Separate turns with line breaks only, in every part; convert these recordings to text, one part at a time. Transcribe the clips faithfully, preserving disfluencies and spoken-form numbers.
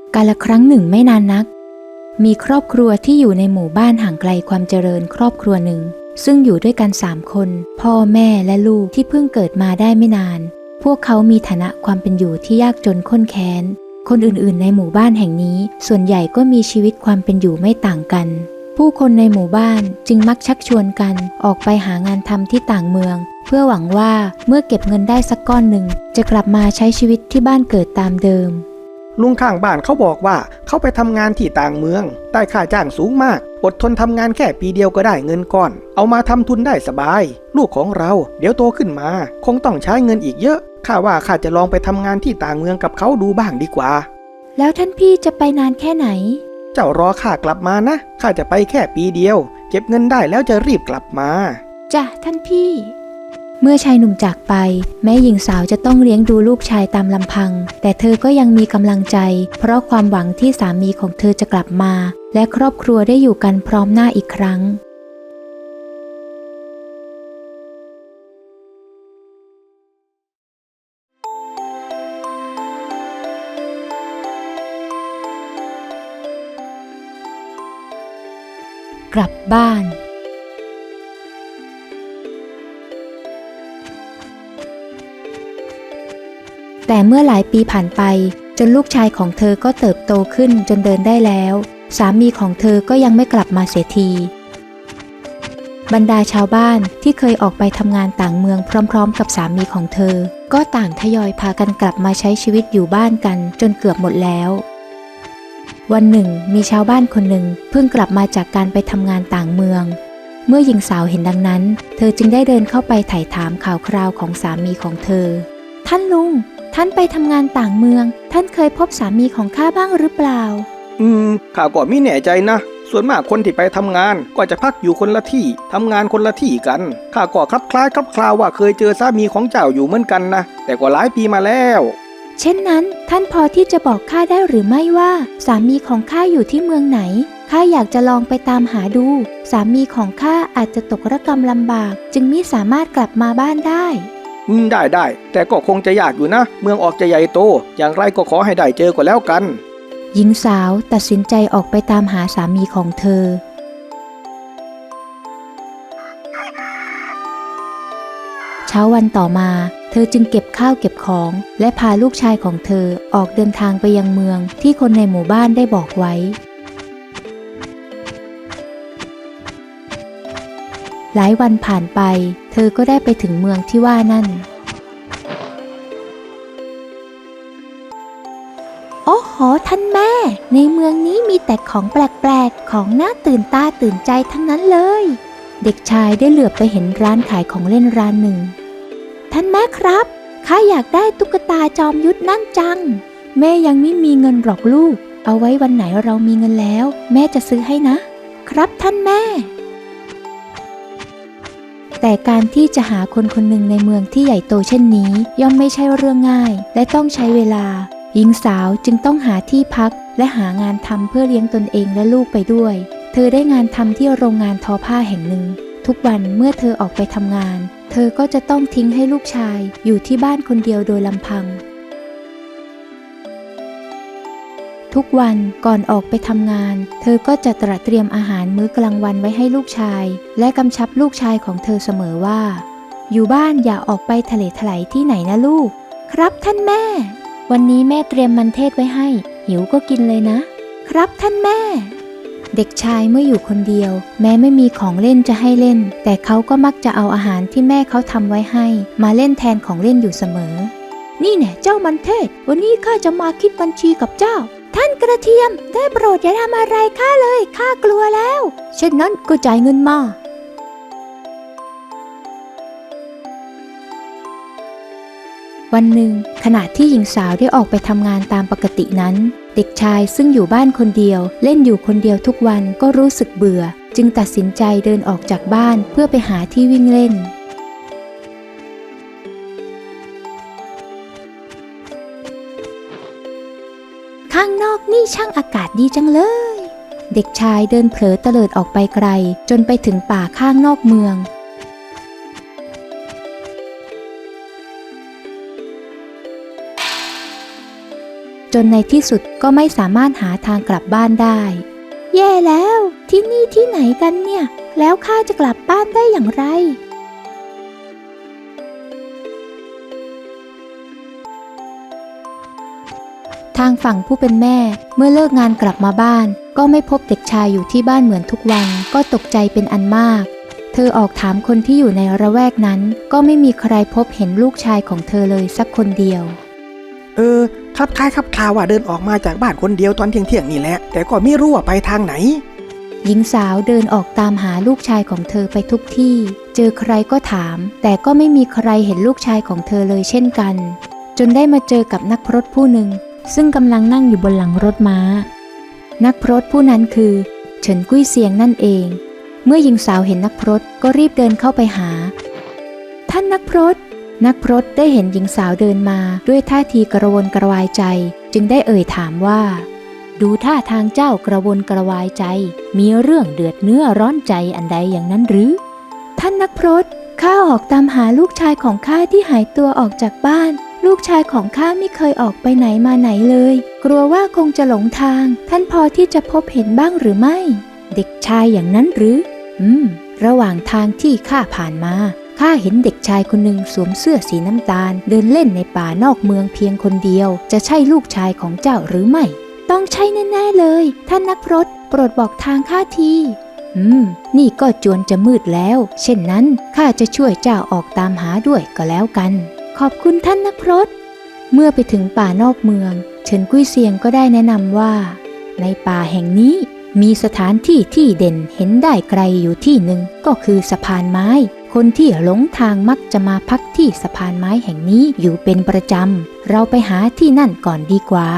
กาลครั้งหนึ่งไม่นานนักมีครอบครัวที่อยู่ในหมู่บ้านห่างไกลความเจริญครอบครัวหนึ่งซึ่งอยู่ด้วยกันสามคนพ่อแม่และลูกที่เพิ่งเกิดมาได้ไม่นานพวกเขามีฐานะความเป็นอยู่ที่ยากจนข้นแค้นคนอื่นๆในหมู่บ้านแห่งนี้ส่วนใหญ่ก็มีชีวิตความเป็นอยู่ไม่ต่างกันผู้คนในหมู่บ้านจึงมักชักชวนกันออกไปหางานทำที่ต่างเมืองเพื่อหวังว่าเมื่อเก็บเงินได้สักก้อนหนึ่งจะกลับมาใช้ชีวิตที่บ้านเกิดตามเดิม
ลุงข้างบ้านเขาบอกว่าเขาไปทำงานที่ต่างเมืองได้ค่าจ้างสูงมากอดทนทำงานแค่ปีเดียวก็ได้เงินก้อนเอามาทำทุนได้สบายลูกของเราเดี๋ยวโตขึ้นมาคงต้องใช้เงินอีกเยอะข้าว่าข้าจะลองไปทำงานที่ต่างเมืองกับเขาดูบ้างดีกว่า
แล้วท่านพี่จะไปนานแค่ไหน
เจ้ารอข้ากลับมานะข้าจะไปแค่ปีเดียวเก็บเงินได้แล้วจะรีบกลับมา
จ้ะท่านพี่เมื่อชายหนุ่มจากไปแม้หญิงสาวจะต้องเลี้ยงดูลูกชายตามลำพังแต่เธอก็ยังมีกำลังใจเพราะความหวังที่สามีของเธอจะกลับมาและครอบครัวได้อยู่กันพร้อมหน้าอีกครั้งกลับบ้านแต่เมื่อหลายปีผ่านไปจนลูกชายของเธอก็เติบโตขึ้นจนเดินได้แล้วสามีของเธอก็ยังไม่กลับมาเสียทีบรรดาชาวบ้านที่เคยออกไปทำงานต่างเมืองพร้อมๆกับสามีของเธอก็ต่างทยอยพากันกลับมาใช้ชีวิตอยู่บ้านกันจนเกือบหมดแล้ววันหนึ่งมีชาวบ้านคนหนึ่งเพิ่งกลับมาจากการไปทำงานต่างเมืองเมื่อหญิงสาวเห็นดังนั้นเธอจึงได้เดินเข้าไปไถ่ถามข่าวคราวของสามีของเธอท่านลุงท่านไปทำงานต่างเมืองท่านเคยพบสามีของข้าบ้างหรือเปล่า
อืมข้าก็ไม่แน่ใจนะส่วนมากคนที่ไปทำงานก็จะพักอยู่คนละที่ทำงานคนละที่กันข้าก็คลับคล้ายคลับคลาวว่าเคยเจอสามีของเจ้าอยู่เหมือนกันนะแต่ก็หลายปีมาแล้ว
เช่นนั้นท่านพอที่จะบอกข้าได้หรือไม่ว่าสามีของข้าอยู่ที่เมืองไหนข้าอยากจะลองไปตามหาดูสามีของข้าอาจจะตกระกำลำบากจึงมิสามารถกลับมาบ้านได้
อืมได้ได้แต่ก็คงจะยากอยู่นะเมืองออกจะใหญ่โตอย่างไรก็ขอให้ได้เจอก็แล้วกัน
หญิงสาวตัดสินใจออกไปตามหาสามีของเธอเช้าวันต่อมาเธอจึงเก็บข้าวเก็บของและพาลูกชายของเธอออกเดินทางไปยังเมืองที่คนในหมู่บ้านได้บอกไว้หลายวันผ่านไปเธอก็ได้ไปถึงเมืองที่ว่านั่นโอ้โหท่านแม่ในเมืองนี้มีแต่ของแปลกๆของน่าตื่นตาตื่นใจทั้งนั้นเลยเด็กชายได้เหลือบไปเห็นร้านขายของเล่นร้านหนึ่งท่านแม่ครับข้าอยากได้ตุ๊กตาจอมยุทธนั่นจังแม่ยังไม่มีเงินหรอกลูกเอาไว้วันไหนเรามีเงินแล้วแม่จะซื้อให้นะครับท่านแม่แต่การที่จะหาคนคนหนึ่งในเมืองที่ใหญ่โตเช่นนี้ย่อมไม่ใช่เรื่องง่ายและต้องใช้เวลาหญิงสาวจึงต้องหาที่พักและหางานทำเพื่อเลี้ยงตนเองและลูกไปด้วยเธอได้งานทำที่โรงงานทอผ้าแห่งหนึ่งทุกวันเมื่อเธอออกไปทำงานเธอก็จะต้องทิ้งให้ลูกชายอยู่ที่บ้านคนเดียวโดยลำพังทุกวันก่อนออกไปทำงานเธอก็จะตระเตรียมอาหารมื้อกลางวันไว้ให้ลูกชายและกำชับลูกชายของเธอเสมอว่าอยู่บ้านอย่าออกไปทะเลทลายที่ไหนนะลูกครับท่านแม่วันนี้แม่เตรียมมันเทศไว้ให้หิวก็กินเลยนะครับท่านแม่เด็กชายเมื่ออยู่คนเดียวแม้ไม่มีของเล่นจะให้เล่นแต่เขาก็มักจะเอาอาหารที่แม่เขาทำไว้ให้มาเล่นแทนของเล่นอยู่เสมอนี่แน่เจ้ามันเทศวันนี้ข้าจะมาคิดบัญชีกับเจ้าท่านกระเทียมได้โปรดอย่าทำอะไรข้าเลยข้ากลัวแล้วเช่นนั้นก็จ่ายเงินมาวันหนึ่งขณะที่หญิงสาวได้ออกไปทำงานตามปกตินั้นเด็กชายซึ่งอยู่บ้านคนเดียวเล่นอยู่คนเดียวทุกวันก็รู้สึกเบื่อจึงตัดสินใจเดินออกจากบ้านเพื่อไปหาที่วิ่งเล่นข้างนอกนี่ช่างอากาศดีจังเลยเด็กชายเดินเผลอเตลิดออกไปไกลจนไปถึงป่าข้างนอกเมืองจนในที่สุดก็ไม่สามารถหาทางกลับบ้านได้แย่แล้วที่นี่ที่ไหนกันเนี่ยแล้วข้าจะกลับบ้านได้อย่างไรทางฝั่งผู้เป็นแม่เมื่อเลิกงานกลับมาบ้านก็ไม่พบเด็กชายอยู่ที่บ้านเหมือนทุกวันก็ตกใจเป็นอันมากเธอออกถามคนที่อยู่ในระแวกนั้นก็ไม่มีใครพบเห็นลูกชายของเธอเลยสักคนเดียว
เออครับคล้ายครับคลาว่าเดินออกมาจากบ้านคนเดียวตอนเที่ยงเที่ยงนี่แหละแต่ก็ไม่รู้ว่าไปทางไหน
หญิงสาวเดินออกตามหาลูกชายของเธอไปทุกที่เจอใครก็ถามแต่ก็ไม่มีใครเห็นลูกชายของเธอเลยเช่นกันจนได้มาเจอกับนักพรตผู้หนึ่งซึ่งกำลังนั่งอยู่บนหลังรถม้านักพรตผู้นั้นคือเฉินกุ้ยเซียงนั่นเองเมื่อหญิงสาวเห็นนักพรตก็รีบเดินเข้าไปหาท่านนักพรตนักพรตได้เห็นหญิงสาวเดินมาด้วยท่าทีกระวนกระวายใจจึงได้เอ่ยถามว่าดูท่าทางเจ้ากระวนกระวายใจมีเรื่องเดือดเนื้อร้อนใจอันใดอย่างนั้นหรือท่านนักพรตข้าออกตามหาลูกชายของข้าที่หายตัวออกจากบ้านลูกชายของข้าไม่เคยออกไปไหนมาไหนเลยกลัวว่าคงจะหลงทางท่านพอที่จะพบเห็นบ้างหรือไม่เด็กชายอย่างนั้นหรืออืมระหว่างทางที่ข้าผ่านมาข้าเห็นเด็กชายคนหนึ่งสวมเสื้อสีน้ำตาลเดินเล่นในป่านอกเมืองเพียงคนเดียวจะใช่ลูกชายของเจ้าหรือไม่ต้องใช่แน่ๆเลยท่านนักพรตโปรดบอกทางข้าทีอืมนี่ก็จวนจะมืดแล้วเช่นนั้นข้าจะช่วยเจ้าออกตามหาด้วยก็แล้วกันขอบคุณท่านนักพรตเมื่อไปถึงป่านอกเมืองเฉินกุ้ยเซียงก็ได้แนะนำว่าในป่าแห่งนี้มีสถานที่ที่เด่นเห็นได้ไกลอยู่ที่หนึ่งก็คือสะพานไม้คนที่หลงทางมักจะมาพักที่สะพานไม้แห่งนี้อยู่เป็นประจำเราไปหาที่นั่นก่อนดีกว่า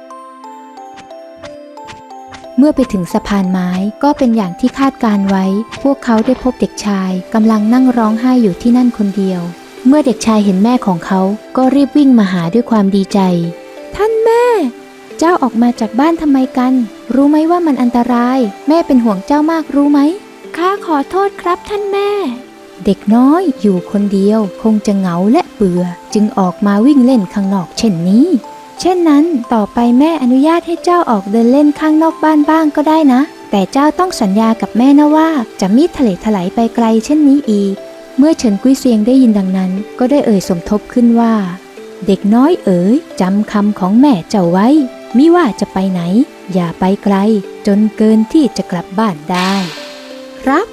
เมื่อไปถึงสะพานไม้ก็เป็นอย่างที่คาดการไว้พวกเขาได้พบเด็กชายกำลังนั่งร้องไห้อยู่ที่นั่นคนเดียวเมื่อเด็กชายเห็นแม่ของเขาก็รีบวิ่งมาหาด้วยความดีใจท่านแม่เจ้าออกมาจากบ้านทำไมกันรู้ไหมว่ามันอันตรายแม่เป็นห่วงเจ้ามากรู้ไหมข้าขอโทษครับท่านแม่เด็กน้อยอยู่คนเดียวคงจะเหงาและเบื่อจึงออกมาวิ่งเล่นข้างนอกเช่นนี้เช่นนั้นต่อไปแม่อนุญาตให้เจ้าออกเดินเล่นข้างนอกบ้านบ้างก็ได้นะแต่เจ้าต้องสัญญากับแม่นะว่าจะมิทะเลถลายไปไกลเช่นนี้อีกเมื่อเฉินกุ้ยเซียงได้ยินดังนั้นก็ได้เอ่ยสมทบขึ้นว่าเด็กน้อยเอ๋ยจำคำของแม่เจ้าไว้มิว่าจะไปไหนอย่าไปไกลจนเกินที่จะกลับบ้านได้ครับ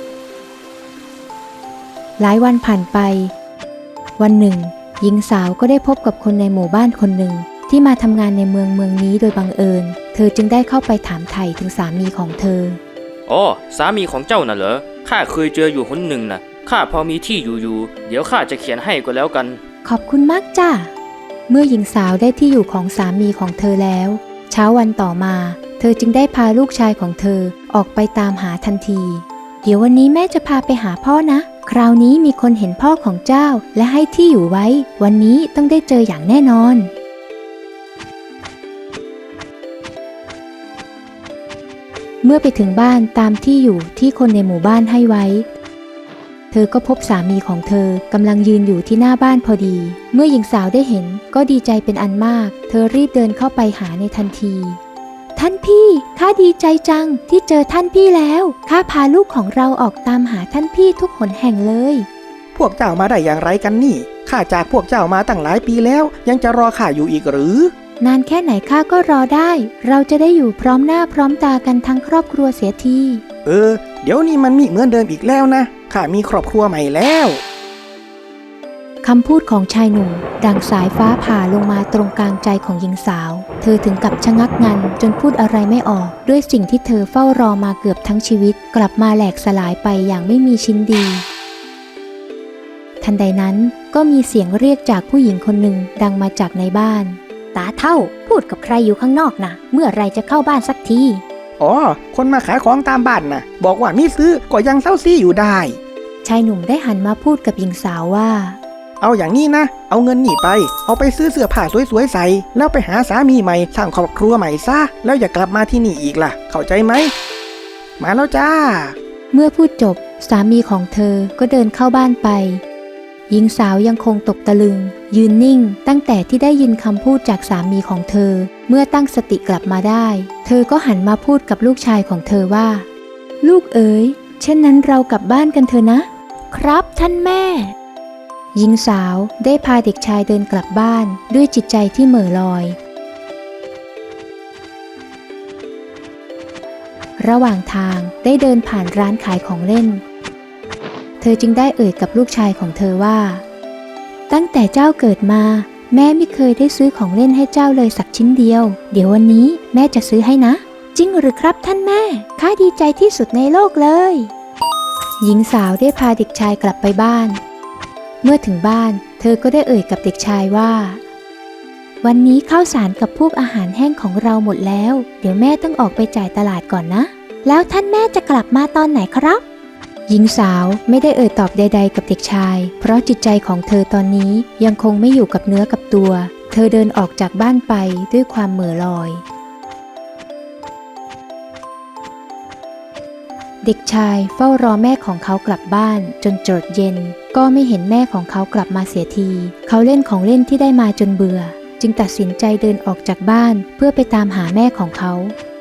หลายวันผ่านไปวันหนึ่งหญิงสาวก็ได้พบกับคนในหมู่บ้านคนหนึ่งที่มาทำงานในเมืองเมืองนี้โดยบังเอิญเธอจึงได้เข้าไปถามไถ่ถึงสามีของเธอ
อ๋อสามีของเจ้าน่ะเหรอข้าเคยเจออยู่หนหนึ่งน่ะข้าพอมีที่อยู่อยู่เดี๋ยวข้าจะเขียนให้ก็แล้วกัน
ขอบคุณมากจ้าเมื่อหญิงสาวได้ที่อยู่ของสามีของเธอแล้วเช้าวันต่อมาเธอจึงได้พาลูกชายของเธอออกไปตามหาทันทีเดี๋ยววันนี้แม่จะพาไปหาพ่อนะคราวนี้มีคนเห็นพ่อของเจ้าและให้ที่อยู่ไว้วันนี้ต้องได้เจออย่างแน่นอนเมื่อไปถึงบ้านตามที่อยู่ที่คนในหมู่บ้านให้ไว้เธอก็พบสามีของเธอกำลังยืนอยู่ที่หน้าบ้านพอดีเมื่อหญิงสาวได้เห็นก็ดีใจเป็นอันมากเธอรีบเดินเข้าไปหาในทันทีท่านพี่ข้าดีใจจังที่เจอท่านพี่แล้วข้าพาลูกของเราออกตามหาท่านพี่ทุกหนแห่งเลย
พวกเจ้ามาได้อย่างไรกันนี่ข้าจากพวกเจ้ามาตั้งหลายปีแล้วยังจะรอข้าอยู่อีกหรือน
านแค่ไหนข้าก็รอได้เราจะได้อยู่พร้อมหน้าพร้อมตากันทั้งครอบครัวเสียที
เออเดี๋ยวนี้มันมีเหมือนเดิมอีกแล้วนะข้ามีครอบครัวใหม่แล้ว
คำพูดของชายหนุ่มดังสายฟ้าผ่าลงมาตรงกลางใจของหญิงสาวเธอถึงกับชะงักงันจนพูดอะไรไม่ออกด้วยสิ่งที่เธอเฝ้ารอมาเกือบทั้งชีวิตกลับมาแหลกสลายไปอย่างไม่มีชิ้นดีทันใดนั้นก็มีเสียงเรียกจากผู้หญิงคนหนึ่งดังมาจากในบ้านตาเฒ่าพูดกับใครอยู่ข้างนอกนะเมื่อไรจะเข้าบ้านสักที
อ๋อคนมาขายของตามบ้านนะบอกว่ามีซื้อก็ยังเศร้าซีอยู่ได้
ชายหนุ่มได้หันมาพูดกับหญิงสาวว่า
เอาอย่างนี้นะเอาเงินนี่ไปเอาไปซื้อเสื้อผ้าสวยๆใส่แล้วไปหาสามีใหม่สร้างครอบครัวใหม่ซะแล้วอย่ากลับมาที่นี่อีกล่ะเข้าใจไหมมาแล้วจ้า
เมื่อพูดจบสามีของเธอก็เดินเข้าบ้านไปหญิงสาวยังคงตกตะลึงยืนนิ่งตั้งแต่ที่ได้ยินคำพูดจากสามีของเธอเมื่อตั้งสติกลับมาได้เธอก็หันมาพูดกับลูกชายของเธอว่าลูกเอ๋ยเช่นนั้นเรากลับบ้านกันเถอะนะครับท่านแม่หญิงสาวได้พาเด็กชายเดินกลับบ้านด้วยจิตใจที่เหม่อลอยระหว่างทางได้เดินผ่านร้านขายของเล่นเธอจึงได้เอ่ยกับลูกชายของเธอว่าตั้งแต่เจ้าเกิดมาแม่ไม่เคยได้ซื้อของเล่นให้เจ้าเลยสักชิ้นเดียวเดี๋ยววันนี้แม่จะซื้อให้นะจริงหรือครับท่านแม่ข้าดีใจที่สุดในโลกเลยหญิงสาวได้พาเด็กชายกลับไปบ้านเมื่อถึงบ้านเธอก็ได้เอ่ยกับเด็กชายว่าวันนี้ข้าวสารกับพวกอาหารแห้งของเราหมดแล้วเดี๋ยวแม่ต้องออกไปจ่ายตลาดก่อนนะแล้วท่านแม่จะกลับมาตอนไหนครับหญิงสาวไม่ได้เอ่ยตอบใดๆกับเด็กชายเพราะจิตใจของเธอตอนนี้ยังคงไม่อยู่กับเนื้อกับตัวเธอเดินออกจากบ้านไปด้วยความเหม่อลอยเด็กชายเฝ้ารอแม่ของเขากลับบ้านจนจดเย็นก็ไม่เห็นแม่ของเขากลับมาเสียทีเขาเล่นของเล่นที่ได้มาจนเบื่อจึงตัดสินใจเดินออกจากบ้านเพื่อไปตามหาแม่ของเขา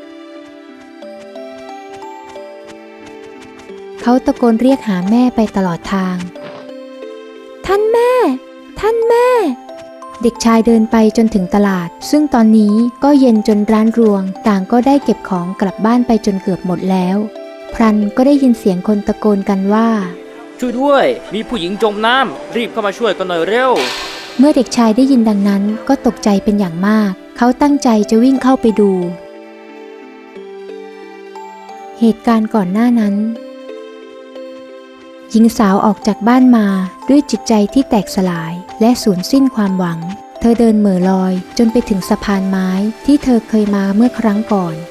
เขาตะโกนเรียกหาแม่ไปตลอดทางท่านแม่ท่านแม่เด็กชายเดินไปจนถึงตลาดซึ่งตอนนี้ก็เย็นจนร้านรวงต่างก็ได้เก็บของกลับบ้านไปจนเกือบหมดแล้วพลันก็ได้ยินเสียงคนตะโกนกันว่า
ช่วยด้วยมีผู้หญิงจมน้ำรีบเข้ามาช่วยกันหน่อยเร็ว
เมื่อเด็กชายได้ยินดังนั้นก็ตกใจเป็นอย่างมากเขาตั้งใจจะวิ่งเข้าไปดูเหตุการณ์ก่อนหน้านั้นหญิงสาวออกจากบ้านมาด้วยจิตใจที่แตกสลายและสูญสิ้นความหวังเธอเดินเหม่อลอยจนไปถึงสะพานไม้ที่เธอเคยมาเมื่อครั้งก่อน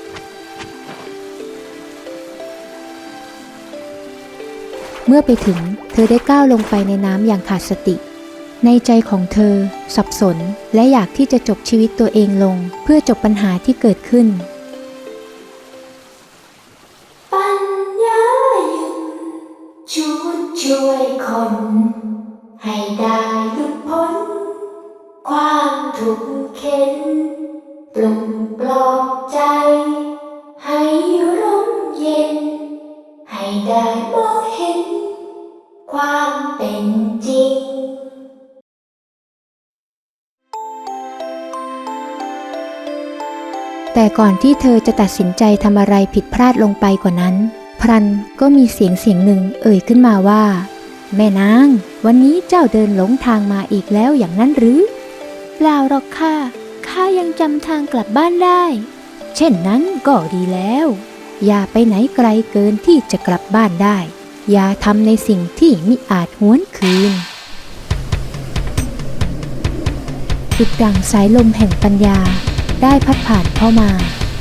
เมื่อไปถึงเธอได้ก้าวลงไปในน้ำอย่างขาดสติในใจของเธอสับสนและอยากที่จะจบชีวิตตัวเองลงเพื่อจบปัญหาที่เกิดขึ้น
ปัญญายุดชุดช่วยคนให้ได้หลุดพ้นความทุกข์เข็นปลุกปลอบใจให้ร่มเย็นให้ได้มองเห็นความเป็นจริง
แต่ก่อนที่เธอจะตัดสินใจทำอะไรผิดพลาดลงไปกว่านั้นพลันก็มีเสียงเสียงหนึ่งเอ่ยขึ้นมาว่าแม่นางวันนี้เจ้าเดินหลงทางมาอีกแล้วอย่างนั้นหรือเปล่าหรอกค่ะข้ายังจำทางกลับบ้านได้เช่นนั้นก็ดีแล้วอย่าไปไหนไกลเกินที่จะกลับบ้านได้อย่าทำในสิ่งที่มิอาจหวนคืนดุจดั่งสายลมแห่งปัญญาได้พัดผ่านเข้ามา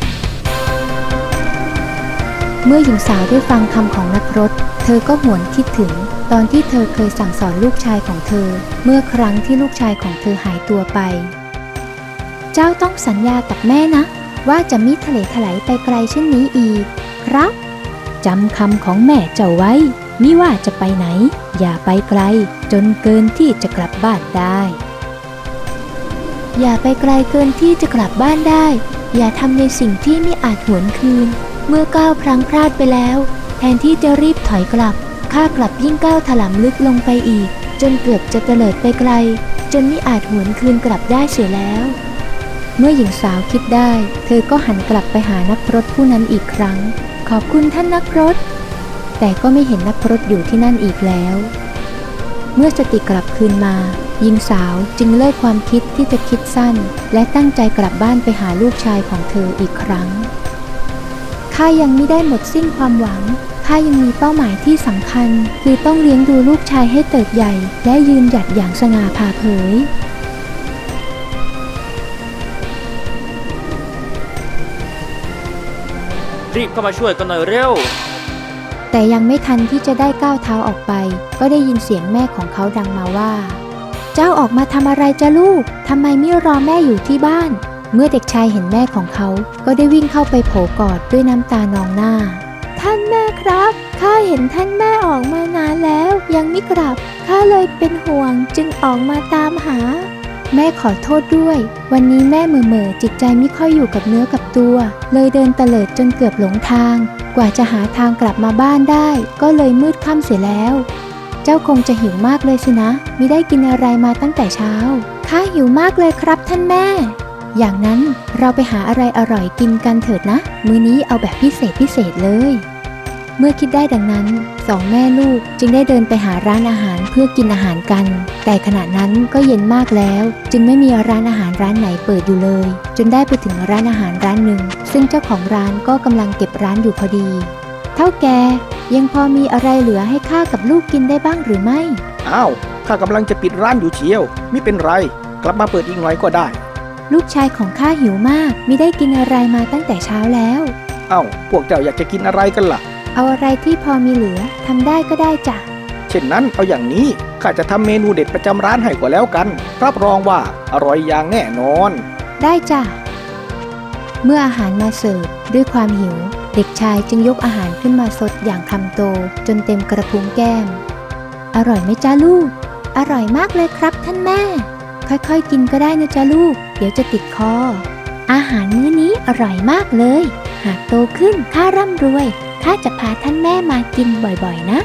เมื่อหญิงสาวได้ฟังคำของนักรถเธอก็หวนคิดถึงตอนที่เธอเคยสั่งสอนลูกชายของเธอเมื่อครั้งที่ลูกชายของเธอหายตัวไปเจ้าต้องสัญญากับแม่นะว่าจะมิทะเลถลายไปไกลเช่นนี้อีกครับจำคำของแม่เจ้าไว้มิว่าจะไปไหนอย่าไปไกลจนเกินที่จะกลับบ้านได้อย่าไปไกลเกินที่จะกลับบ้านได้อย่าทำในสิ่งที่ไม่อาจหวนคืนเมื่อก้าวพลั้งพลาดไปแล้วแทนที่จะรีบถอยกลับข้ากลับยิ่งก้าวถลำลึกลงไปอีกจนเกือบจะเตลิดไปไกลจนไม่อาจหวนคืนกลับได้เสียแล้วเมื่อหญิงสาวคิดได้เธอก็หันกลับไปหานักรถผู้นั้นอีกครั้งขอบคุณท่านนักรถแต่ก็ไม่เห็นนักรถอยู่ที่นั่นอีกแล้วเมื่อสติกลับคืนมาหญิงสาวจึงเลิกความคิดที่จะคิดสั้นและตั้งใจกลับบ้านไปหาลูกชายของเธออีกครั้งข้ายังไม่ได้หมดสิ้นความหวังข้ายังมีเป้าหมายที่สำคัญคือต้องเลี้ยงดูลูกชายให้เติบใหญ่และยืนหยัดอย่างสง่าผ่าเผย
รีบเข้ามาช่วยกันหน่อยเร็ว
แต่ยังไม่ทันที่จะได้ก้าวเท้าออกไปก็ได้ยินเสียงแม่ของเขาดังมาว่าเจ้าออกมาทำอะไรจ้ะลูกทำไมไม่รอแม่อยู่ที่บ้านเมื่อเด็กชายเห็นแม่ของเขาก็ได้วิ่งเข้าไปโผกอดด้วยน้ำตานองหน้าท่านแม่ครับข้าเห็นท่านแม่ออกมานานแล้วยังไม่กลับข้าเลยเป็นห่วงจึงออกมาตามหา แม่ขอโทษด้วยวันนี้แม่เหม่อเม่อจิตใจไม่ค่อยอยู่กับเนื้อกับตัว เลยเดินเตลิดจนเกือบหลงทาง กว่าจะหาทางกลับมาบ้านได้ก็เลยมืดค่ำเสียแล้ว เจ้าคงจะหิวมากเลยสินะมิได้กินอะไรมาตั้งแต่เช้าข้าหิวมากเลยครับท่านแม่อย่างนั้นเราไปหาอะไรอร่อยกินกันเถิดนะมื้อนี้เอาแบบพิเศษพิเศษเลยเมื่อคิดได้ดังนั้นสองแม่ลูกจึงได้เดินไปหาร้านอาหารเพื่อกินอาหารกันแต่ขณะนั้นก็เย็นมากแล้วจึงไม่มีร้านอาหารร้านไหนเปิดอยู่เลยจนได้ไปถึงร้านอาหารร้านหนึ่งซึ่งเจ้าของร้านก็กำลังเก็บร้านอยู่พอดีเท่าแกยังพอมีอะไรเหลือให้ข้ากับลูกกินได้บ้างหรือไม่
อ้าวข้ากำลังจะปิดร้านอยู่เชียวไม่เป็นไรกลับมาเปิดอีกหน่อยก็ได้
ลูกชายของข้าหิวมากมิได้กินอะไรมาตั้งแต่เช้าแล้ว
อ้าวพวกเจ้าอยากจะกินอะไรกันล่ะ
เอาอะไรที่พอมีเหลือทำได้ก็ได้จ้ะ
เช่นนั้นเอาอย่างนี้ข้าจะทำเมนูเด็ดประจำร้านให้กว่าแล้วกันรับรองว่าอร่อยอย่างแน่นอน
ได้จ้ะเมื่ออาหารมาเสิร์ฟด้วยความหิวเด็กชายจึงยกอาหารขึ้นมาสดอย่างคำโตจนเต็มกระพุ้งแก้มอร่อยไหมจ้าลูกอร่อยมากเลยครับท่านแม่ค่อยๆกินก็ได้นะจ้าลูกเดี๋ยวจะติดคออาหารมื้อนี้อร่อยมากเลยหากโตขึ้นข้าร่ำรวยข้าจะพาท่านแม่มากินบ่อยๆนะ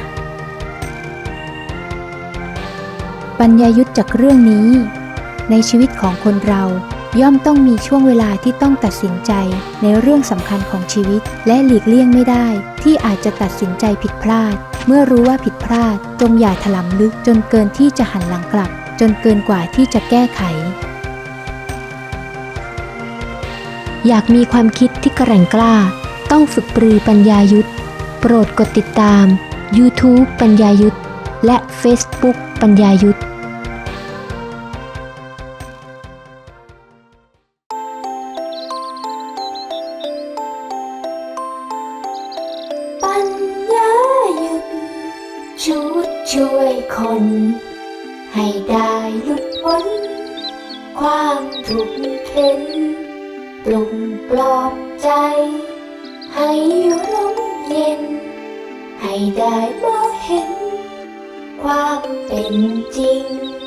ปัญญายุทธจากเรื่องนี้ในชีวิตของคนเราย่อมต้องมีช่วงเวลาที่ต้องตัดสินใจในเรื่องสำคัญของชีวิตและหลีกเลี่ยงไม่ได้ที่อาจจะตัดสินใจผิดพลาดเมื่อรู้ว่าผิดพลาดจงอย่าถลำลึกจนเกินที่จะหันหลังกลับจนเกินกว่าที่จะแก้ไขอยากมีความคิดที่แกร่งกล้าต้องฝึกปรือปัญญายุทธโปรดกดติดตาม YouTube ปัญญายุทธและ Facebook ปัญญายุทธ
ปัญญายุทธชุดช่วยคนให้ได้หลุดพ้นความทุกข์เข็นปลุกปลอบใจให้ร่มเย็นให้ได้มองเห็นความเป็นจริง